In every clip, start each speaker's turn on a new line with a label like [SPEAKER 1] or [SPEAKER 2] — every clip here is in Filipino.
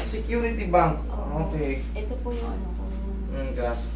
[SPEAKER 1] Security bank.
[SPEAKER 2] Oo.
[SPEAKER 1] Okay.
[SPEAKER 2] Ito po yung ano ko.
[SPEAKER 1] Gas.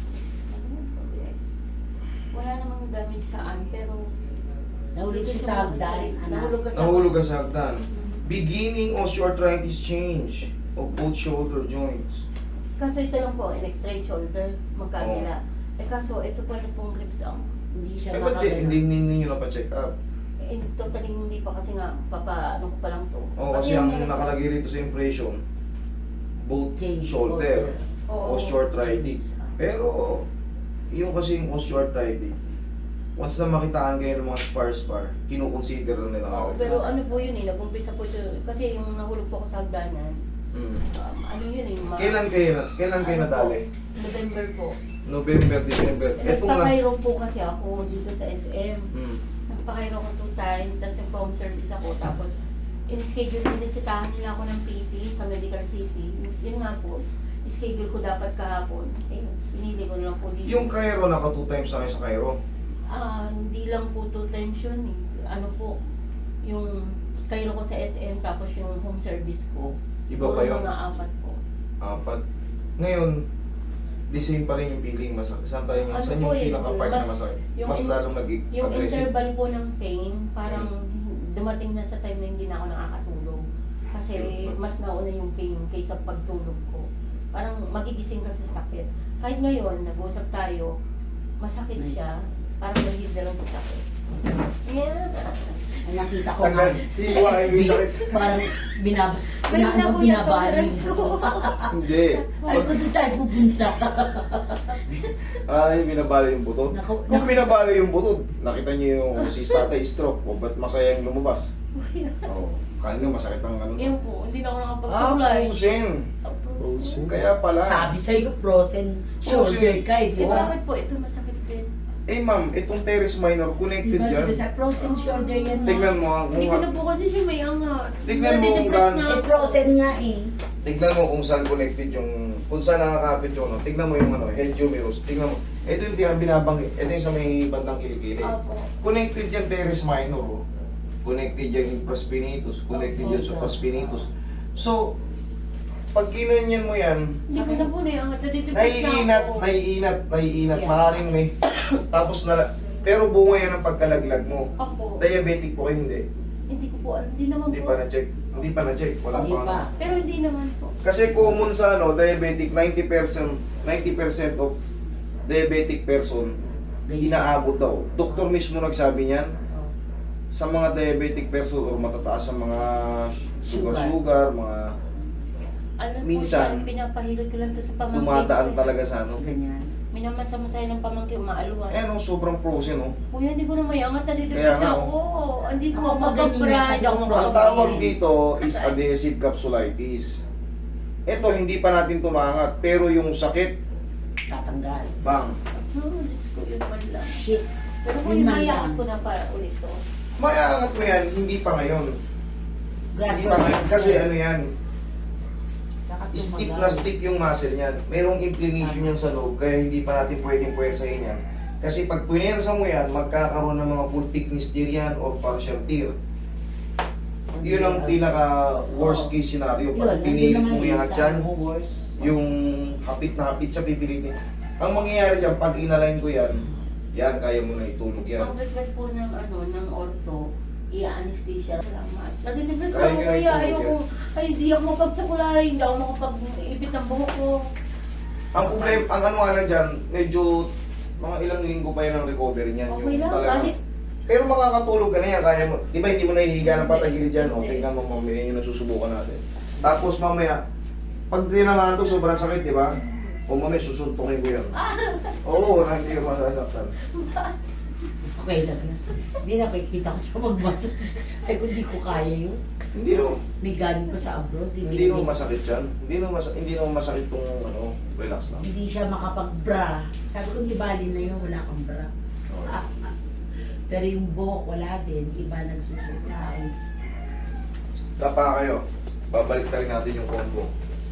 [SPEAKER 2] Wala namang damage saan, pero
[SPEAKER 3] Nahulog siya sa hagdan, anak.
[SPEAKER 2] Nahulog ka sa
[SPEAKER 1] Nahulog ka sa hagdan. Beginning osteoarthritis change of both shoulder joints.
[SPEAKER 2] Kaso ito lang po, an straight shoulder, magkabila. Eh kaso, ito po yung pong ribs ang
[SPEAKER 3] Hindi siya
[SPEAKER 1] Eh, ba't
[SPEAKER 3] makagano.
[SPEAKER 1] hindi ninyo na pa-check up?
[SPEAKER 2] totally hindi pa kasi nga, ano ko pa lang to.
[SPEAKER 1] Oo, kasi ang nakalagay rito sa impression, both
[SPEAKER 3] Change
[SPEAKER 1] shoulder,
[SPEAKER 2] Oo.
[SPEAKER 1] osteoarthritis. Pero, yung kasi yung osteoarthritis, once na makitaan kayo ng mga spar, kinukonsider na nila
[SPEAKER 2] Oo,
[SPEAKER 1] agad.
[SPEAKER 2] pero ano po yun eh, nag-umpisa po ito, kasi yung nahulog po ako sa hagdanan,
[SPEAKER 1] Mm.
[SPEAKER 2] ano yun eh,
[SPEAKER 1] Kailan kayo
[SPEAKER 2] ano
[SPEAKER 1] nadali?
[SPEAKER 2] po, November po.
[SPEAKER 1] November, December. Etong na.
[SPEAKER 2] Nagpakairo po kasi ako dito sa SM.
[SPEAKER 1] Mm.
[SPEAKER 2] Nagpakairo ko 2 times, tapos yung home service ako, tapos in-schedule, inisitahan nila ako ng PT sa Medical City. Yun nga po, schedule ko dapat kahapon. Eh, pinili ko na lang po dito.
[SPEAKER 1] Yung Cairo, naka 2 times na kayo sa Cairo.
[SPEAKER 2] Hindi lang po 2 times yun eh. Ano po, yung kairo ko sa SM, tapos yung home service ko.
[SPEAKER 1] Iba pa yun?
[SPEAKER 2] Mga 4 po.
[SPEAKER 1] 4. Ngayon, the same pa rin yung feeling. Saan pa rin yung,
[SPEAKER 2] Ano
[SPEAKER 1] saan
[SPEAKER 2] po
[SPEAKER 1] yung
[SPEAKER 2] eh,
[SPEAKER 1] pinaka-part na
[SPEAKER 2] mas-
[SPEAKER 1] masakit?
[SPEAKER 2] yung
[SPEAKER 1] Mas
[SPEAKER 2] in-
[SPEAKER 1] lalong
[SPEAKER 2] Yung
[SPEAKER 1] nag-aggressive.
[SPEAKER 2] interval po ng pain, parang dumating na sa time na hindi na ako nakakatulog. Kasi mas nauna yung pain kaysa pagtulog ko. Parang magigising ka sa sakit. Kahit ngayon, nag-usap tayo, masakit
[SPEAKER 3] Nice.
[SPEAKER 2] siya. Parang nahid na lang sa sakit. Yeah.
[SPEAKER 3] Ang nakita ko
[SPEAKER 1] Tagal, hiwain mo yung sakit.
[SPEAKER 3] Parang
[SPEAKER 2] May hinabuyan
[SPEAKER 3] binabali
[SPEAKER 2] tolerance ko.
[SPEAKER 1] Hindi.
[SPEAKER 3] Ay, kung doon tayo pupunta.
[SPEAKER 1] Ay, binabali yung buto.
[SPEAKER 3] Naku-
[SPEAKER 1] Kung binabali yung buto, nakita niyo yung si tatay stroke. O ba't masayang lumabas? Oo. Kanina masakit ang ano.
[SPEAKER 2] Yun po, hindi na ako nakapag-supply.
[SPEAKER 1] Frozen. Kaya pala.
[SPEAKER 3] Sabi sa'yo, frozen shoulder ka eh, di
[SPEAKER 2] Eh,
[SPEAKER 3] ba?
[SPEAKER 2] bakit po ito masakit din?
[SPEAKER 1] Eh ma'am, itong teres minor
[SPEAKER 3] Di
[SPEAKER 1] connected
[SPEAKER 3] ba
[SPEAKER 1] yan.
[SPEAKER 3] sabi sa frozen shoulder yan,
[SPEAKER 1] Tignan
[SPEAKER 3] ma?
[SPEAKER 1] mo ah,
[SPEAKER 2] Hindi ko
[SPEAKER 1] kung
[SPEAKER 2] na po kasi siya may angat.
[SPEAKER 1] Tignan mo kung
[SPEAKER 2] Nadidepress
[SPEAKER 1] gaano-
[SPEAKER 2] na
[SPEAKER 3] Eh,
[SPEAKER 2] ako.
[SPEAKER 3] frozen nga eh.
[SPEAKER 1] tignan mo kung saan connected yung, kung saan nakakapit yung ano. Tignan mo yung ano, head humerus. Tignan mo. Ito yung binabang, ito yung sa may bandang kilikili.
[SPEAKER 2] Opo.
[SPEAKER 1] Connected yan teres minor. Oh. Connected yan infraspinatus, connected yan supraspinatus. So, pag kinanyan mo yan,
[SPEAKER 2] Hindi ko na po na yung angat. Nadidepress na ako.
[SPEAKER 1] naiinat,
[SPEAKER 3] Yes.
[SPEAKER 1] maaaring may, tapos pero bunga yan ang pagkalaglag mo.
[SPEAKER 2] Ako.
[SPEAKER 1] Diabetic po kayo, hindi.
[SPEAKER 2] Hindi ko po alam. Hindi naman
[SPEAKER 1] Hindi
[SPEAKER 2] po.
[SPEAKER 1] pa na-check. Hindi pa na-check. Wala
[SPEAKER 3] Hindi
[SPEAKER 1] pa.
[SPEAKER 3] pa.
[SPEAKER 2] Pero hindi naman po.
[SPEAKER 1] Kasi common sa ano, diabetic, 90% of diabetic person, inaabot daw. Doktor mismo nagsabi niyan, sa mga diabetic person or matataas sa mga sugar, mga
[SPEAKER 2] Ano
[SPEAKER 1] Minsan,
[SPEAKER 2] po, pinapahilot ko lang to sa pamangkin.
[SPEAKER 1] dumadaan
[SPEAKER 2] ko.
[SPEAKER 1] talaga sa ano.
[SPEAKER 3] Ganyan.
[SPEAKER 2] Minamasamasay ng pamangkin, maaluan.
[SPEAKER 1] Eh, no, sobrang frozen, no?
[SPEAKER 2] Kuya, hindi ko na may angat.
[SPEAKER 1] Kaya
[SPEAKER 2] Nadidepress
[SPEAKER 1] nga,
[SPEAKER 2] na ako. Hindi po
[SPEAKER 3] Ako
[SPEAKER 2] ako
[SPEAKER 3] magaling
[SPEAKER 2] makapag-bride.
[SPEAKER 3] na
[SPEAKER 2] Ako
[SPEAKER 3] sa
[SPEAKER 1] Ang
[SPEAKER 3] frozen.
[SPEAKER 1] tawag dito is adhesive capsulitis. Ito, hindi pa natin tumangat, pero yung sakit,
[SPEAKER 3] Tatanggal.
[SPEAKER 1] bang.
[SPEAKER 2] Diyos ko, yun man lang.
[SPEAKER 3] Shit.
[SPEAKER 2] Pero kung
[SPEAKER 3] Yun man
[SPEAKER 2] imayangat
[SPEAKER 3] lang.
[SPEAKER 2] ko na pa ulit to.
[SPEAKER 1] Mayangat mo yan, hindi pa ngayon. Hindi pa ngayon, kasi ano yan, stiff na stiff yung muscle niyan. Merong inflammation yan sa loob, kaya hindi pa natin pwedeng puwersahin yan. Kasi pag puwersa mo yan, magkakaroon ng mga full thickness tear yan o partial tear. Yun ang pinaka worst case scenario. Pag pinilit mo yan at yan, yung hapit na hapit sa pipilitin. Ang mangyayari dyan, pag inalign ko yan, yan, kaya mo na itulog yan.
[SPEAKER 2] Ang request po ng ng ortho, i-anesthesia. Salamat. Nadidepress
[SPEAKER 1] Kaya
[SPEAKER 2] ako
[SPEAKER 1] nga
[SPEAKER 2] kuya.
[SPEAKER 1] itulog
[SPEAKER 2] Ayoko. Ay, hindi ako mapagsakulay. Hindi ako makapag-ibit ng buhok ko.
[SPEAKER 1] Ang problema, ang ano nga lang dyan, medyo mga ilang linggo pa yan ang recovery niyan.
[SPEAKER 2] Okay lang, kahit
[SPEAKER 1] Pero makakatulog ka na yan, kaya mo. Di ba hindi mo nahihiga ng patagilid dyan? O, tingnan mo mamaya yun ang susubukan natin. Tapos mamaya, pag dinangaan to, sobrang sakit, di ba? O mamaya, susuntukin ko yan. Oo, na hindi ka masasaktan.
[SPEAKER 3] Okay lang yan. Hindi nakikita ko siya mag-massage. Ay, kung di ko kaya yun.
[SPEAKER 1] Hindi no,
[SPEAKER 3] May galing pa sa abroad.
[SPEAKER 1] hindi naman masakit yan. Hindi naman masakit tong ano, relax lang.
[SPEAKER 3] Hindi siya makapag-bra. Sabi ko, di bali na yun, wala kang bra.
[SPEAKER 1] Okay.
[SPEAKER 3] Pero yung buhok, wala din. Iba nagsusuklay.
[SPEAKER 1] Tapa kayo. Babalik na rin natin yung combo.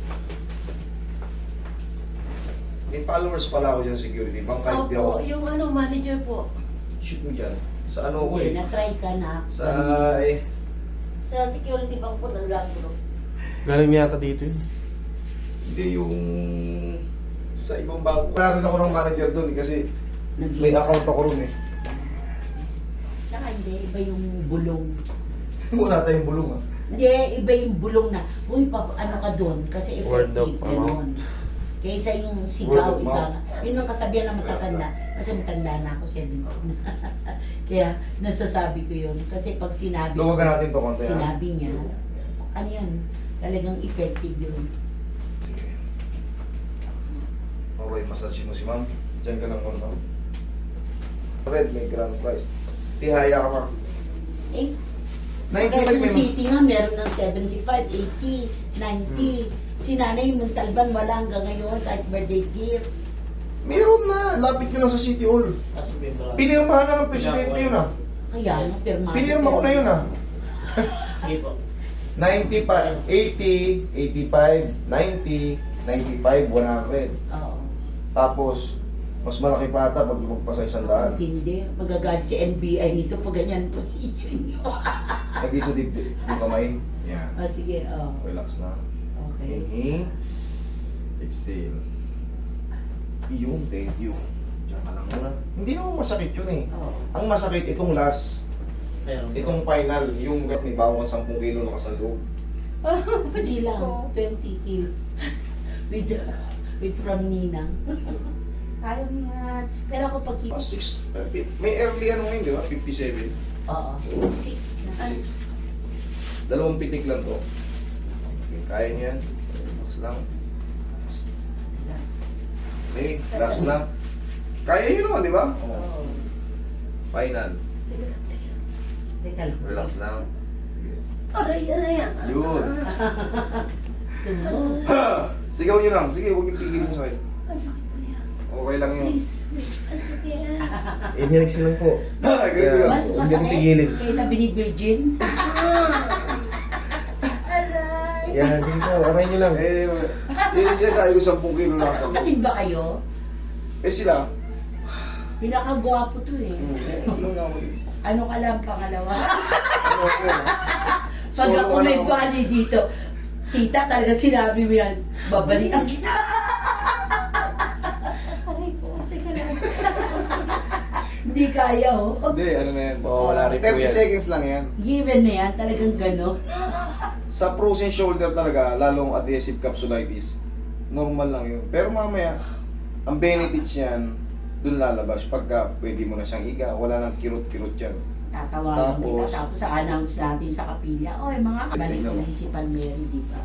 [SPEAKER 1] May followers pala ako dyan security. Bang kahit di ako.
[SPEAKER 2] Opo, yung manager po.
[SPEAKER 1] Shoot mo dyan. Sa ano ko
[SPEAKER 3] Hindi,
[SPEAKER 1] eh.
[SPEAKER 3] na-try ka na.
[SPEAKER 1] Sa eh.
[SPEAKER 2] Sa security bank po ng Land Group.
[SPEAKER 4] Galing niya yata dito yun.
[SPEAKER 1] Hindi yung sa ibang bangko. Wala rin ako ng manager doon kasi may account ako ron eh.
[SPEAKER 3] Saka hindi, iba yung bulong.
[SPEAKER 1] Wala tayong bulong ah.
[SPEAKER 3] Hindi, iba yung bulong na, uy, ano ka doon? Kasi
[SPEAKER 4] Word of
[SPEAKER 3] effective, gano'n. Kaysa yung
[SPEAKER 1] Word
[SPEAKER 3] sigaw,
[SPEAKER 1] of
[SPEAKER 3] ika
[SPEAKER 1] mouth.
[SPEAKER 3] nga. Yun ang kasabihan ng matatanda. Kasi matanda na ako, 17 na. Kaya nasasabi ko yun. Kasi pag sinabi
[SPEAKER 1] Luwagan natin to konti ha.
[SPEAKER 3] sinabi niya, ano yan, talagang effective yun.
[SPEAKER 1] Sige. Okay, massage mo si ma'am. Diyan ka lang muna. Red, may grand prize. Tihaya ka ma'am.
[SPEAKER 3] Eh, sa
[SPEAKER 1] 95
[SPEAKER 3] Quezon
[SPEAKER 1] may-
[SPEAKER 3] City nga, meron ng 75, 80, 90. Si Nanay Montalban, wala hanggang ngayon, kahit birthday gift.
[SPEAKER 1] Meron na. Lapit nyo lang sa City Hall. Pinirmahan na ng presidente yun ah.
[SPEAKER 3] Kaya, napirma.
[SPEAKER 1] Pinirma ko na yun ah.
[SPEAKER 4] Sige po.
[SPEAKER 1] 95, 80, 85, 90, 95, 100.
[SPEAKER 3] Oo.
[SPEAKER 1] Tapos, mas malaki pa ata pag lumagpas sa 100.
[SPEAKER 3] Hindi, magagalit si NBI nito pag ganyan position nyo.
[SPEAKER 1] Nag-iso dito yung kamay. Yan.
[SPEAKER 3] Sige,
[SPEAKER 1] Relax na.
[SPEAKER 3] okay.
[SPEAKER 1] Inhale. Exhale. Iyon, thank you. Diyan ka lang muna. Hindi naman masakit yun eh.
[SPEAKER 3] Oo.
[SPEAKER 1] Ang masakit itong last.
[SPEAKER 4] Meron po.
[SPEAKER 1] Itong final. Yung may bawang 10 kilo na sa loob.
[SPEAKER 3] Hindi lang, 20 kilos. With from Ninang. Kaya mo yan. Pero ako pag...
[SPEAKER 1] 6. May early ano ngayon, di ba? 57.
[SPEAKER 3] Oo. 6 na.
[SPEAKER 1] 6. Dalawang pitik lang to. Okay, kaya niyo yan. Relax lang. Okay, last na. Kaya yun naman, di ba?
[SPEAKER 3] Oo.
[SPEAKER 1] Final.
[SPEAKER 3] Teka lang.
[SPEAKER 1] Relax lang. Sige.
[SPEAKER 2] Aray, aray.
[SPEAKER 1] Yun.
[SPEAKER 3] Tumo.
[SPEAKER 1] Sigaw nyo lang. Sige, huwag yung pigilin sa akin.
[SPEAKER 2] Ang sakit ko yan.
[SPEAKER 1] Okay lang yun.
[SPEAKER 2] Please, ang sakit.
[SPEAKER 4] Inhale lang po.
[SPEAKER 1] Ganyan lang.
[SPEAKER 3] Mas
[SPEAKER 1] Huwag yung
[SPEAKER 3] masakit
[SPEAKER 1] pigilin.
[SPEAKER 3] kaysa binibirgin.
[SPEAKER 2] Aray.
[SPEAKER 4] Yan, sige po. Aray nyo lang.
[SPEAKER 1] Yun siya sabi ko 10 kilo lang sa loob.
[SPEAKER 3] Kapatid ba kayo?
[SPEAKER 1] Eh sila.
[SPEAKER 3] Pinakagwapo to eh.
[SPEAKER 1] Sino nga ako?
[SPEAKER 3] Ano ka lang pangalawa?
[SPEAKER 1] Ano ako?
[SPEAKER 3] Pag
[SPEAKER 1] Solo
[SPEAKER 3] ako
[SPEAKER 1] ka
[SPEAKER 3] may
[SPEAKER 1] lang ako.
[SPEAKER 3] funny dito, tita talaga sinabi mo yan, babalikan kita.
[SPEAKER 2] Aray ko, teka lang.
[SPEAKER 3] Hindi kaya oh.
[SPEAKER 1] Hindi, ano na yan.
[SPEAKER 4] Wala rin po
[SPEAKER 1] 30
[SPEAKER 4] yan.
[SPEAKER 1] seconds lang yan.
[SPEAKER 3] Given na yan, talagang gano'n.
[SPEAKER 1] Sa frozen shoulder talaga, lalong adhesive capsulitis, normal lang yun. Pero mamaya, ang benefits niyan, dun lalabas. Pagka pwede mo na siyang higa, wala nang kirot-kirot yan.
[SPEAKER 3] Tatawagan kita
[SPEAKER 1] Tapos-
[SPEAKER 3] tapos sa announce natin sa kapilya. Oy, mga kabalik
[SPEAKER 1] Tingnan mo.
[SPEAKER 3] ko si Palmeri, di ba?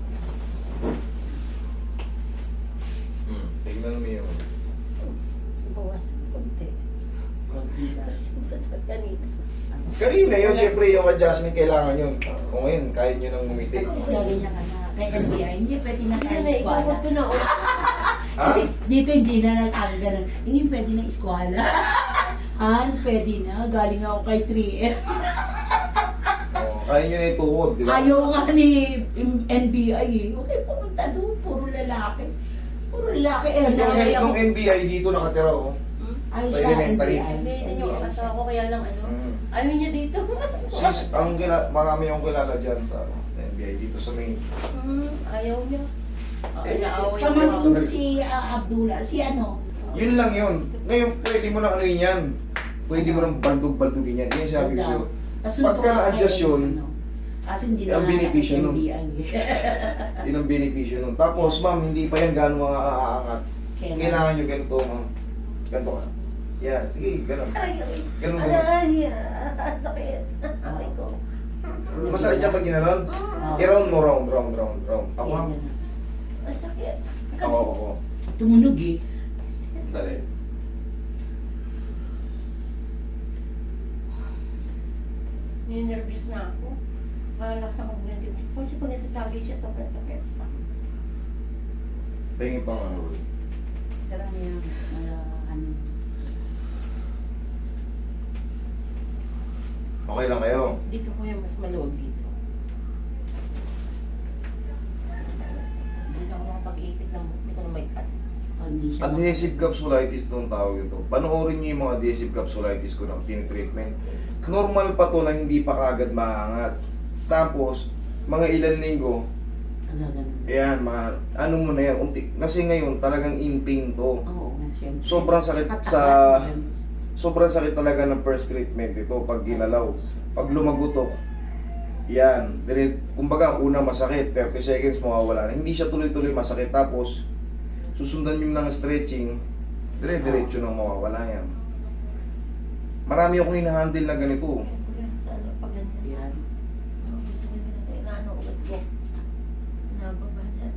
[SPEAKER 1] Tingnan mo yun.
[SPEAKER 2] Bawas konti.
[SPEAKER 3] Konti lang.
[SPEAKER 2] Kasi masasakit kanina.
[SPEAKER 1] Kanina yun, siyempre yung adjustment kailangan yun. Kung ngayon, kaya nyo nang ngumiti.
[SPEAKER 3] Sabi niya ka na, kay NBI, hindi pwede na
[SPEAKER 2] Hindi
[SPEAKER 3] tayo
[SPEAKER 2] na,
[SPEAKER 3] eskwala.
[SPEAKER 2] ikawag ko na.
[SPEAKER 1] Ha?
[SPEAKER 3] Kasi dito hindi na nakakaganon. Hindi pwede na eskwala. Han, pwede na. Galing ako kay 3M.
[SPEAKER 1] Oh, kaya nyo na ituwod, di ba?
[SPEAKER 3] Ayaw nga ni NBI eh. Okay, pumunta doon. Puro lalaki. Puro lalaki.
[SPEAKER 1] Nung NBI dito nakatira, oh.
[SPEAKER 3] Ay,
[SPEAKER 1] Sa
[SPEAKER 3] siya,
[SPEAKER 1] elementary.
[SPEAKER 3] NBI.
[SPEAKER 2] Hindi, yung asawa ko kaya lang ano. Ayaw niya dito.
[SPEAKER 1] Sis, marami akong kilala dyan sa NBI dito sa main.
[SPEAKER 2] Ayaw niya. Naaway
[SPEAKER 3] Pamangkin
[SPEAKER 2] niya.
[SPEAKER 3] ko si Abdullah. Si ano?
[SPEAKER 1] Yun lang yun. Ngayon, pwede mo na ano yun yan. Pwede mo nang baldog-baldugin yan. Yan sabi ko sa'yo. Pagka na-adjust yun,
[SPEAKER 3] kasi hindi na
[SPEAKER 1] ang benepisyo nun.
[SPEAKER 3] NBI.
[SPEAKER 1] yun ang benepisyo nun. Tapos, ma'am, hindi pa yan gano'ng mga aangat. Kailangan nyo ganito, ma'am. Ganito ka. Yan, sige, gano'n.
[SPEAKER 2] Aray, aray.
[SPEAKER 1] Ganun, ganun.
[SPEAKER 2] Aray, sakit. Aray ko.
[SPEAKER 1] Masakit siya pag ginanon. I-round mo, round. Ako, ma'am.
[SPEAKER 2] Ang sakit.
[SPEAKER 1] Ako.
[SPEAKER 3] Tumunog eh.
[SPEAKER 1] Dali.
[SPEAKER 2] Ninervous na ako. Malakas ako ng kasi pag nasasabi siya, sobrang sakit.
[SPEAKER 1] Pahingin pa nga.
[SPEAKER 3] Karami yung ano.
[SPEAKER 1] Okay lang kayo.
[SPEAKER 2] Dito ko yung mas maluwag dito. Hindi na ako makapag-ipit ng buhok. Hindi ko na may kas.
[SPEAKER 3] Hindi siya.
[SPEAKER 1] Adhesive capsulitis itong tawag ito. Panoorin niyo yung mga adhesive capsulitis ko ng tinitreatment. Normal pa to na hindi pa kagad maangat. Tapos, mga ilan linggo,
[SPEAKER 3] Ganun.
[SPEAKER 1] Ayan, ano mo na yan, kasi ngayon talagang in pain to.
[SPEAKER 3] Oo, syempre.
[SPEAKER 1] Sobrang sakit
[SPEAKER 3] Katakot.
[SPEAKER 1] Sobrang sakit talaga ng first treatment ito pag ginalaw. Pag lumagutok, yan. Kumbaga, una masakit, 30 seconds mawawala na. Hindi siya tuloy-tuloy masakit. Tapos, susundan yung ng stretching, dire-diretso nang mawawala yan. Marami akong hinahandle na ganito.
[SPEAKER 2] Sa ano, pag ganyan.
[SPEAKER 3] Yan.
[SPEAKER 2] Gusto ko na tayo na ano, ugat ko. Nababalat.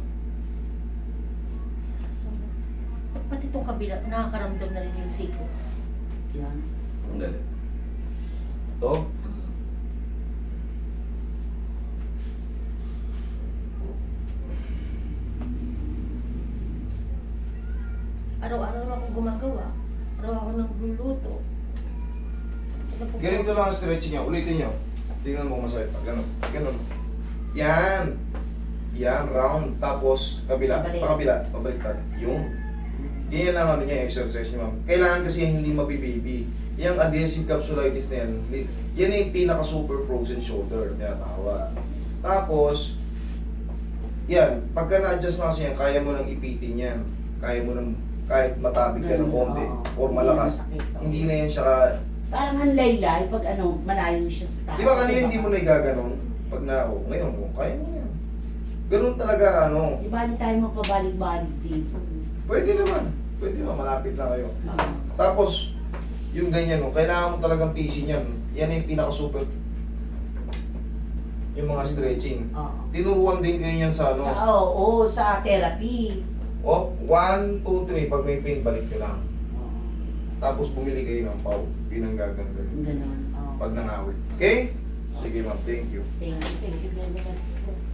[SPEAKER 2] Pati itong kabila, nakakaramdam na rin yung siko.
[SPEAKER 3] Yan.
[SPEAKER 1] Ang galing. Ito,
[SPEAKER 2] Araw-araw naman akong gumagawa. Araw ako nagluluto.
[SPEAKER 1] ganito lang ang stretching niya. Ulitin niyo. Tingnan mo kung masakit pa. Ganun. Ganun. Yan. Yan, round. Tapos, kabila.
[SPEAKER 3] Pabalik.
[SPEAKER 1] Pakabila. Pabaliktad. Yung. Yan lang ano niya, exercise niya, ma'am. Kailangan kasi yan hindi mabibaby. Yung adhesive capsulitis na yan, yan yung pinaka-super frozen shoulder, tinatawag. Tapos, yan, pagka na-adjust na kasi yan, kaya mo nang ipitin yan. Kaya mo nang, kahit matabig ka ng konti, or malakas. Hindi na yan siya,
[SPEAKER 3] Parang ang laylay pag ano, malayo siya sa taas.
[SPEAKER 1] di ba kanina hindi mo na igaganon? Pag ngayon mo, kaya mo yan. Ganun talaga, ano,
[SPEAKER 3] Di ba, di tayo mapabalik-balik dito.
[SPEAKER 1] pwede naman. Pwede naman, malapit na kayo.
[SPEAKER 3] Oo.
[SPEAKER 1] Tapos, yung ganyan, no, kailangan mo talagang tisin yan. Yan yung pinaka-super. Yung mga stretching.
[SPEAKER 3] Oo.
[SPEAKER 1] Tinuruan din kayo yan sa ano.
[SPEAKER 3] Sa therapy.
[SPEAKER 1] O, 1, 2, 3. Pag may pain, balik nyo lang.
[SPEAKER 3] Oo.
[SPEAKER 1] Tapos bumili kayo ng pau. Pinanggagan
[SPEAKER 3] Yung
[SPEAKER 1] ganun.
[SPEAKER 3] Ganun. Oo.
[SPEAKER 1] Pag nangawit. Okay? Sige ma'am, thank you.
[SPEAKER 3] Thank you.
[SPEAKER 2] Thank you very much.